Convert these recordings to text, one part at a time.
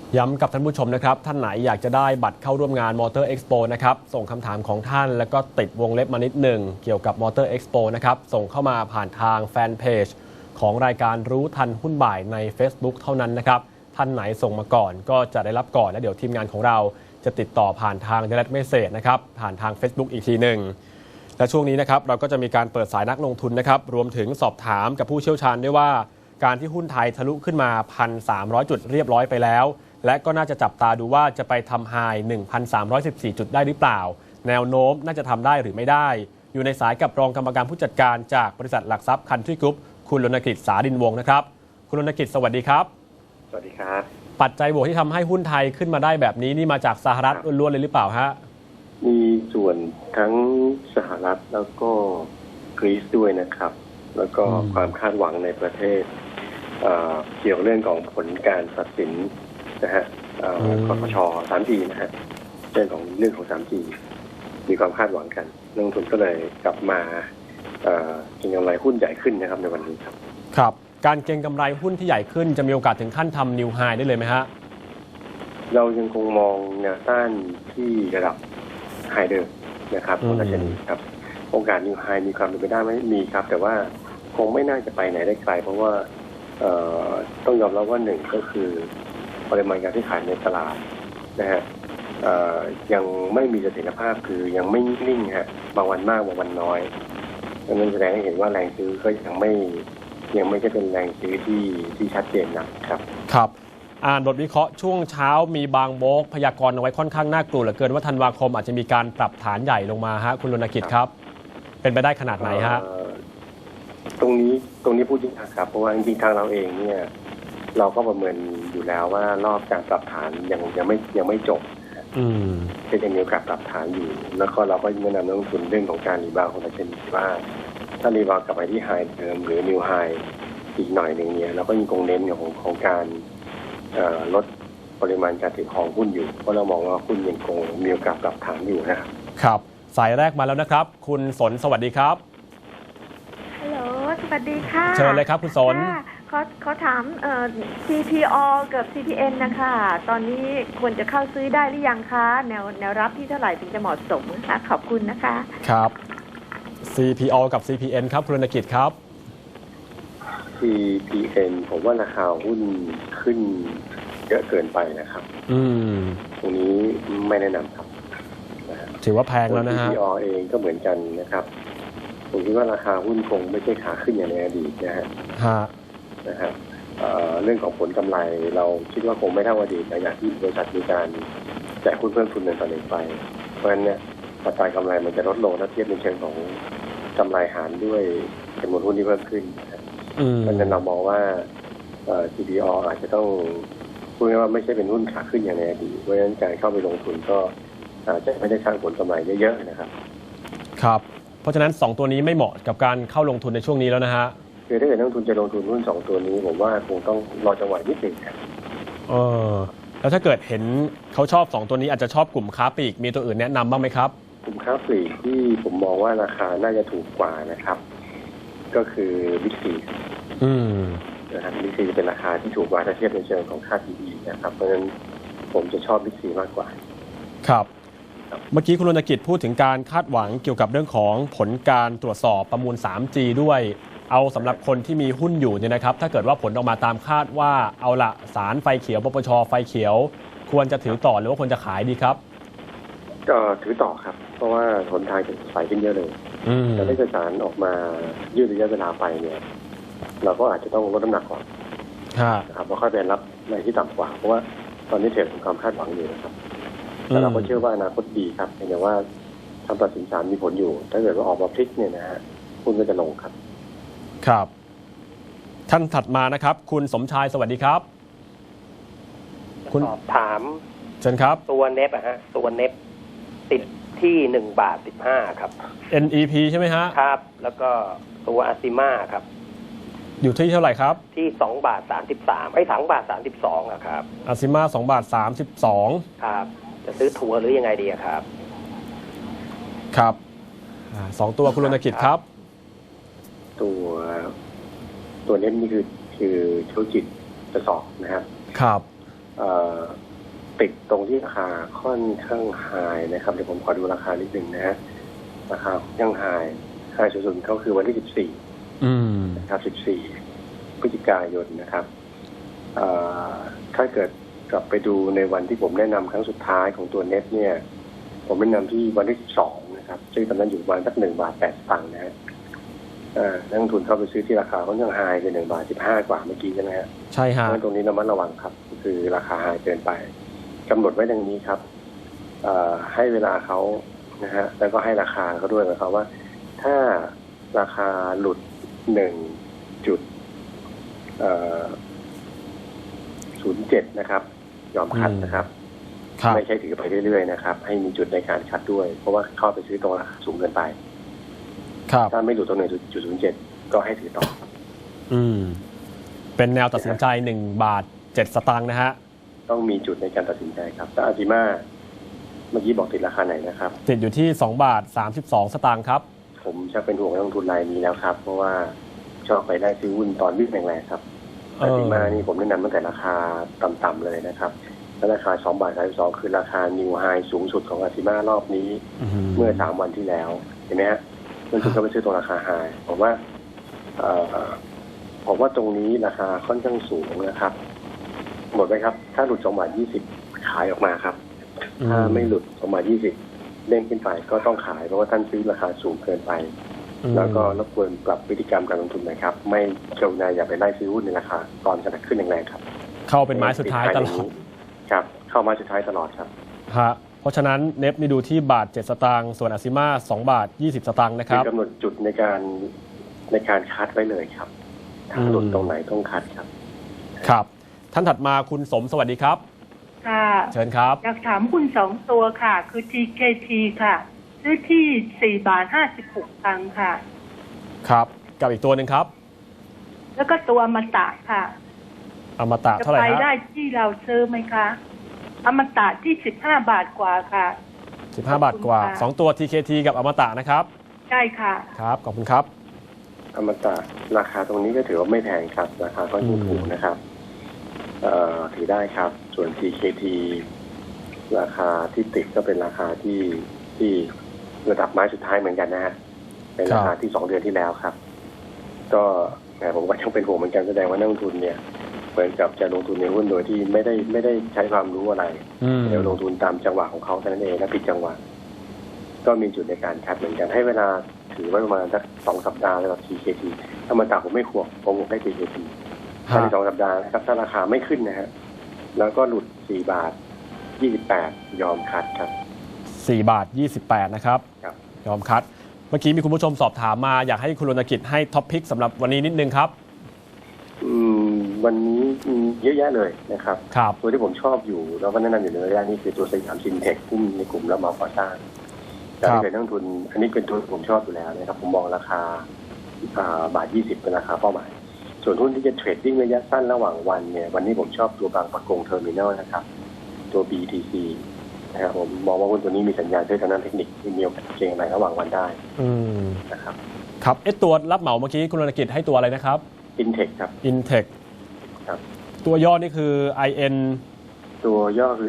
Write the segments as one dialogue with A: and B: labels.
A: ย้ำกับท่านผู้ชมนะครับท่านไหนอยากจะได้บัตรเข้าร่วมงาน Motor Expo นะครับส่งคำถามของท่านแล้วก็ติดวงเล็บมานิดหนึ่งเกี่ยวกับ Motor Expo นะครับส่งเข้ามาผ่านทางแฟนเพจของรายการรู้ทันหุ้นบ่ายใน Facebook เท่านั้นนะครับท่านไหนส่งมาก่อนก็จะได้รับก่อนและเดี๋ยวทีมงานของเราจะติดต่อผ่านทาง Direct Message นะครับผ่านทาง Facebook อีกทีหนึ่งและช่วงนี้นะครับเราก็จะมีการเปิดสายนักลงทุนนะครับรวมถึงสอบถามกับผู้เชี่ยวชาญด้วยว่าการที่หุ้นไทยทะลุขึ้นมา 1,300 จุดเรียบร้อยไปแล้วและก็น่าจะจับตาดูว่าจะไปทำไฮ 1,314 จุดได้หรือเปล่าแนวโน้มน่าจะทำได้หรือไม่ได้อยู่ในสายกับรองกรรมการผู้จัดการจากบริษัทหลักทรัพย์คันทรีกรุ๊ปคุณรณกฤษ สาดินวงศ์นะครับคุณรณกฤษสวัสดีครับ
B: สวัสดีครับ
A: ปัจจัยบวกที่ทำให้หุ้นไทยขึ้นมาได้แบบนี้นี่มาจากสหรัฐล้วนๆเลยหรือเปล่าฮะ
B: มีส่วนทั้งสหรัฐแล้วก็กรีซด้วยนะครับแล้วก็ความคาดหวังในประเทศเกี่ยวเรื่องของผลการตัดสินนะฮะคสช. 3G นะฮะเรื่องของ 3G มีความคาดหวังกันนักลงทุนก็เลยกลับมาเก็งกำไรหุ้นใหญ่ขึ้นนะครับในวันนี้ครับ
A: ครับการเก็งกำไรหุ้นที่ใหญ่ขึ้นจะมีโอกาสถึงขั้นทำนิวไฮได้เลยไหมฮะ
B: เรายังคงมองแนวต้านที่ระดับไฮเดิมนะครับของดัชนีครับโอกาสนิวไฮมีความเป็นไปได้ไหมมีครับแต่ว่าคงไม่น่าจะไปไหนได้ไกลเพราะว่าต้องยอมรับว่าหนึ่งก็คือปริมาณการที่ขายในตลาดนะฮะยังไม่มีเสถียรภาพคือยังไม่นิ่งฮะบางวันมากบางวันน้อยดังนั้นแสดงให้เห็นว่าแรงซื้อก็ยังไม่ใช่เป็นแรงซื้อที่ชัดเจนนะครับ
A: ครับอ่านบทวิเคราะห์ช่วงเช้ามีบางโบกพยากรณ์เอาไว้ค่อนข้างน่ากลัวเหลือเกินว่าธันวาคมอาจจะมีการปรับฐานใหญ่ลงมาฮะคุณรณกิจครับเป็นไปได้ขนาดไหนฮะ
B: ตรงนี้พูดจริงครับเพราะว่าจริงๆทางเราเองเนี่ยเราก็ประเมินอยู่แล้วว่ารอบการปรับฐานยังไม่จบก็ยังมีโอกาสปรับฐานอยู่แล้วก็เราก็แนะนำนักลงทุนเรื่องของการรีบาวของดัชนีว่าถ้ารีบาวกลับไปที่ไฮเดิมหรือนิวไฮอีกหน่อยหนึ่งเนี่ยเราก็ยังคงเน้นของการลดปริมาณการถือครองหุ้นอยู่เพราะเรามองว่าหุ้นยังคงมีโอกาสปรับฐานอยู่นะครับ
A: ครับสายแรกมาแล้วนะครับคุณสนสวัสดีครับ
C: ฮัลโหลสวัสดีค่ะ
A: เชิญเลยครับคุณสน
C: เขาถาม CPO กับ CPN นะคะตอนนี้ควรจะเข้าซื้อได้หรือยังคะแนวรับที่เท่าไหร่ถึงจะเหมาะสมคะขอบคุณนะคะ
A: ครับ CPO กับ CPN ครับคุณรณกิจครับ
B: CPN ผมว่าราคาหุ้นขึ้นเยอะเกินไปนะครับตรงนี้ไม่แนะนำครับ
A: ถือว่าแพงแล้วนะฮะ
B: CPO เองก็เหมือนกันนะครับผมคิดว่าราคาหุ้นคงไม่ใช่ขาขึ้นอย่างในอดีตนะฮะเรื่องของผลกำไรเราคิดว่าคงไม่เท่าอดีตในอย่างที่บริษัทมีการแจกหุ้นเพิ่มทุนในตอนนี้ไปเพราะฉะนั้นเนี่ยอัตรากำไรมันจะลดลงถ้าเทียบในเชิงของกำไรหารด้วยจำนวนหุ้นที่เพิ่มขึ้นเพราะฉะนั้นเรามองว่าCPO อาจจะต้องพูดง่ายว่าไม่ใช่เป็นหุ้นขาขึ้นอย่างในอดีตเพราะฉะนั้นการเข้าไปลงทุนก็อาจจะไม่ได้สร้างผลกำไรเยอะๆนะครับ
A: ครับเพราะฉะนั้น2ตัวนี้ไม่เหมาะกับการเข้าลงทุนในช่วงนี้แล้วนะฮะ
B: คือถ้าเกิดนักลงทุนจะลงทุนหุ้น2ตัวนี้ผมว่าคงต้องรอจังหวะนิดนึงครับ
A: แล้วถ้าเกิดเห็นเขาชอบ2ตัวนี้อาจจะชอบกลุ่มค้าปลีกมีตัวอื่นแนะนำบ้างไหมครับ
B: กลุ่มค้าปลีกที่ผมมองว่าราคาน่าจะถูกกว่านะครับก็คือบิ๊กซีนะครับบิ๊กซีจะเป็นราคาที่ถูกกว่าถ้าเทียบในเชิงของค่า PE นะครับเพราะฉะนั้นผมจะชอบบิ๊กซีมากกว่า
A: ครับเมื่อกี้คุณรณกิจพูดถึงการคาดหวังเกี่ยวกับเรื่องของผลการตรวจสอบประมูล 3G ด้วยเอาสำหรับคนที่มีหุ้นอยู่เนี่ยนะครับถ้าเกิดว่าผลออกมาตามคาดว่าเอาละศาลไฟเขียวปปช.ไฟเขียวควรจะถือต่อหรือว่าควรจะขายดีครับ
B: ก็ถือต่อครับเพราะว่าผลทางจะใสขึ้นเยอะเลยแต่ถ้าเกิดศาลออกมายืดระยะเวลาไปเนี่ยเราก็อาจจะต้องลดน้ำหนักก่อนนะครับแล้วค่อยไปรับในที่ต่ำกว่าเพราะว่าตอนนี้เทรดมีความคาดหวังอยู่นะครับแต่เราก็เชื่อว่าอนาคตดีครับแต่ว่าคำตัดสินศาลมีผลอยู่ถ้าเกิดว่าออกมาพลิกเนี่ยนะฮะหุ้นก็จะลงครับ
A: ครับท่านถัดมานะครับคุณสมชายสวัสดีครับ
D: คุณถาม
A: เชิญครับ
D: ตัวเน็บตัวเน็บติดที่1.15 ครับ
A: NEP ใช่ไหมฮะ
D: ครับแล้วก็ตัวอาซิมาครับ
A: อยู่ที่เท่าไหร่ครับ
D: ที่2.332.32ครับ
A: อาซิมา2.32
D: ครับจะซื้อทัวร์หรือยังไงดีครับ
A: ครับ2ตัวคุณรณกิจครับ
B: ตัวเน้นนี่คือธุรกิจกระสอบนะครับ
A: ครับ
B: ติดตรงที่ราคาค่อนข้างไฮนะครับเดี๋ยวผมขอดูราคานิดหนึ่งนะฮะราคายังไฮสุดๆเขาคือวันที่14นะครับ14พฤศจิกายนนะครับถ้าเกิดกลับไปดูในวันที่ผมแนะนำครั้งสุดท้ายของตัวเน็ตเนี่ยผมแนะนำที่วันที่12นะครับซึ่งตอนนั้นอยู่ประมาณสัก1.08 บาทนะฮะนักลงทุนเข้าไปซื้อที่ราคาค่อนข้างไฮคือ1.15 บาทกว่าเมื่อกี้ใช่ไหมฮะ
A: ใช่ฮะ
B: ตรงนี้ระมัดระวังครับคือราคาไฮเกินไปกำหนดไว้ดังนี้ครับให้เวลาเขานะฮะแล้วก็ให้ราคาเขาด้วยนะครับว่าถ้าราคาหลุด1.07นะครับยอมคัดนะครับไม่ใช่ถือไปเรื่อยๆนะครับให้มีจุดในการคัดด้วยเพราะว่าเข้าไปซื้อตรงราคาสูงเกินไปถ้าไม่หลุดตรง1.07ก็ให้ถือต่อ
A: เป็นแนวตัดสินใจ1.07 บาทนะฮะ
B: ต้องมีจุดในการตัดสินใจครับแต่อาจิมาเมื่อกี้บอกติดราคาไหนนะครับ
A: ติดอยู่ที่2.32 บาทครับ
B: ผมจะเป็นห่วงนักลงทุนรายนี้แล้วครับเพราะว่าชอบไปได้ซื้อหุ้นตอนวิ่งแรงๆครับอาจิมานี่ผมแนะนำตั้งแต่ราคาต่ำๆเลยนะครับและราคา2.32 บาทคือราคานิวไฮสูงสุดของอาจิมารอบนี้เมื่อ3 วันที่แล้วเห็นไหมฮะนักลงทุนก็ไปซื้อตรงราคาไฮผมว่าตรงนี้ราคาค่อนข้างสูงนะครับหมดไหมครับถ้าหลุด2.20 บาทขายออกมาครับถ้าไม่หลุด2.20 บาทเด้งขึ้นไปก็ต้องขายเพราะว่าท่านซื้อราคาสูงเกินไปแล้วก็รบกวนปรับพฤติกรรมการลงทุนหน่อยครับไม่กรุณาอย่าไปไล่ซื้อหุ้นในราคาตอนกระดับขึ้นแรงๆครับ
A: เข้าเป็นไม้สุดท้ายตลอด
B: ครับเข้าไม้สุดท้ายตลอดครับ
A: ฮะเพราะฉะนั้นเนฟนี่ดูที่1.07 บาทส่วนอาซิมา2.20 บาทนะครับ
B: กำหนดจุดในการคัดไว้เลยครับถ้าหลุดตรงไหนต้องคัดครับ
A: ครับท่านถัดมาคุณสมสวัสดีครับ
E: ค่ะ
A: เชิญครับ
E: อยากถามหุ้น2 ตัวค่ะคือ TKT ค่ะซื้อที่4.56 บาทค่ะ
A: ครับกับอีกตัวหนึ่งครับ
E: แล้วก็ตัวอมตะค่ะ
A: อมตะเท่าไหร่ครับ
E: จะไปได้ที่เราซื้อไหมคะอมตะที่15 บาทกว่าค่ะ
A: 15 บาทกว่า2ตัว TKT กับอมตะนะครับ
E: ใช่ค่ะ
A: ครับขอบคุณครับ
B: อมตะราคาตรงนี้ก็ถือว่าไม่แพงครับราคาก็ยังถูกนะครับถือได้ครับส่วน TKT ราคาที่ติดก็เป็นราคาที่ระดับไม้สุดท้ายเหมือนกันนะฮะเป็นราคาที่2 เดือนที่แล้วครับก็ผมก็ยังเป็นห่วงเหมือนกันแสดงว่านักลงทุนเนี่ยเหมือนกับจะลงทุนในหุ้นโดยที่ไม่ได้ใช้ความรู้อะไรเดี๋ยวลงทุนตามจังหวะของเขาเท่านั้นเองและผิดจังหวะก็มีจุดในการคัดเหมือนกันให้เวลาถือไว้ประมาณสัก2 สัปดาห์แล้วกับ TKT ถ้ามันต่างผมไม่ห่วงผมได้ TKTภายใน2 สัปดาห์นะครับถ้าราคาไม่ขึ้นนะฮะแล้วก็หลุด4.28 บาทยอมคัดครับ
A: 4.28 บาทนะครับยอมคัดเมื่อกี้มีคุณผู้ชมสอบถามมาอยากให้คุณรณกิจให้ท็อปพิกสำหรับวันนี้นิดนึงครับ
B: วันนี้เยอะแยะเลยนะครับตัวที่ผมชอบอยู่แล้วก็แนะนำอยู่ในระยะนี้คือตัวสยามซินเทคหุ้นในกลุ่มรับเหมาก่อสร้างการเป็นนักลงทุนอันนี้เป็นตัวผมชอบอยู่แล้วนะครับผมมองราคา1.20 บาทเป็นราคาเป้าหมายส่วนหุ้นที่จะเทรดดิ้งระยะสั้นระหว่างวันเนี่ยวันนี้ผมชอบตัวบางปะกงเทอร์มินอลนะครับตัว BTC นะครับผมมองว่าหุ้นตัวนี้มีสัญญาณด้วยทางด้านเทคนิคที่มีโอกาสเก็งอะไรระหว่างวันได้นะครับ
A: ครับตัวรับเหมาเมื่อกี้คุณรณกิจให้ตัวอะไรนะครับ
B: Intech ครับ
A: Intech
B: ครับ
A: ตัวย่อนี่คือ IN
B: ตัวย่อคือ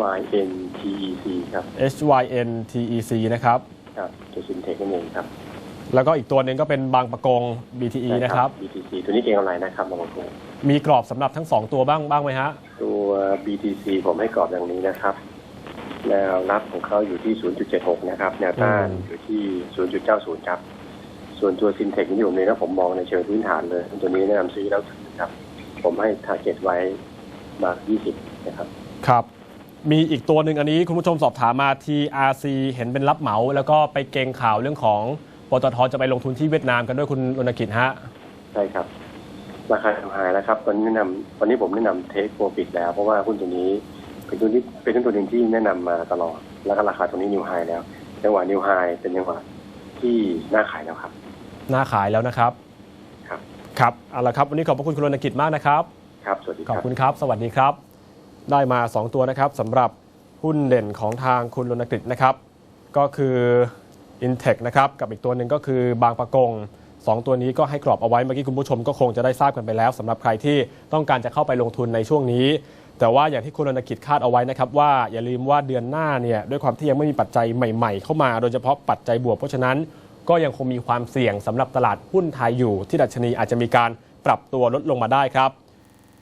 B: SYNTEC ครับ
A: SYNTEC นะครับ
B: ครับตัว Intech นั่นเองครับ
A: แล้วก็อีกตัวหนึ่งก็เป็นบางปะกง BTE นะครับ
B: BTC ตัวนี้เก่งอะไรนะครับบางปะกง
A: มีกรอบสำหรับทั้ง2ตัวบ้างไหมฮะ
B: ตัว BTC ผมให้กรอบอย่างนี้นะครับแนวรับของเขาอยู่ที่ 0.76 นะครับแนวต้านอยู่ที่ 0.90 ครับส่วนตัว Fintech ที่ผมเรียนนะผมมองในเชิงพื้นฐานเลยตัวนี้แนะนำซื้อแล้วถือครับผมให้ target ไว้มา20นะครับ
A: ครับมีอีกตัวหนึ่งอันนี้คุณผู้ชมสอบถามมา TRC เห็นเป็นรับเหมาแล้วก็ไปเกงข่าวเรื่องของปตท.จะไปลงทุนที่เวียดนามกันด้วยคุณรณกิจฮะ
B: ใช่ครับราคาทำหายแล้วครับตอนนี้ผมแนะนำเทคโปรฟิตแล้วเพราะว่าหุ้นตัวนี้เป็นตัวหนึ่งที่แนะนำมาตลอดแล้วก็ราคาตรงนี้นิวไฮแล้วจังหวะนิวไฮเป็นจังหวะที่น่าขายแล้วครับ
A: น่าขายแล้วนะครับครับเอาละครับวันนี้ขอบพระคุณคุณรณกิจมากนะครับ
B: ครับสวัสดีครับ
A: ขอบคุณครับสวัสดีครับได้มา2ตัวนะครับสำหรับหุ้นเด่นของทางคุณรณกิจนะครับก็คือ Intech นะครับกับอีกตัวหนึ่งก็คือบางปะกง2ตัวนี้ก็ให้กรอบเอาไว้เมื่อกี้คุณผู้ชมก็คงจะได้ทราบกันไปแล้วสำหรับใครที่ต้องการจะเข้าไปลงทุนในช่วงนี้แต่ว่าอย่างที่คุณรณกิจคาดเอาไว้นะครับว่าอย่าลืมว่าเดือนหน้าเนี่ยด้วยความที่ยังไม่มีปัจจัยใหม่ๆเข้ามาโดยเฉพาะปัจจัยบวกเพราะฉะนั้นก็ยังคงมีความเสี่ยงสำหรับตลาดหุ้นไทยอยู่ที่ดัชนีอาจจะมีการปรับตัวลดลงมาได้ครับ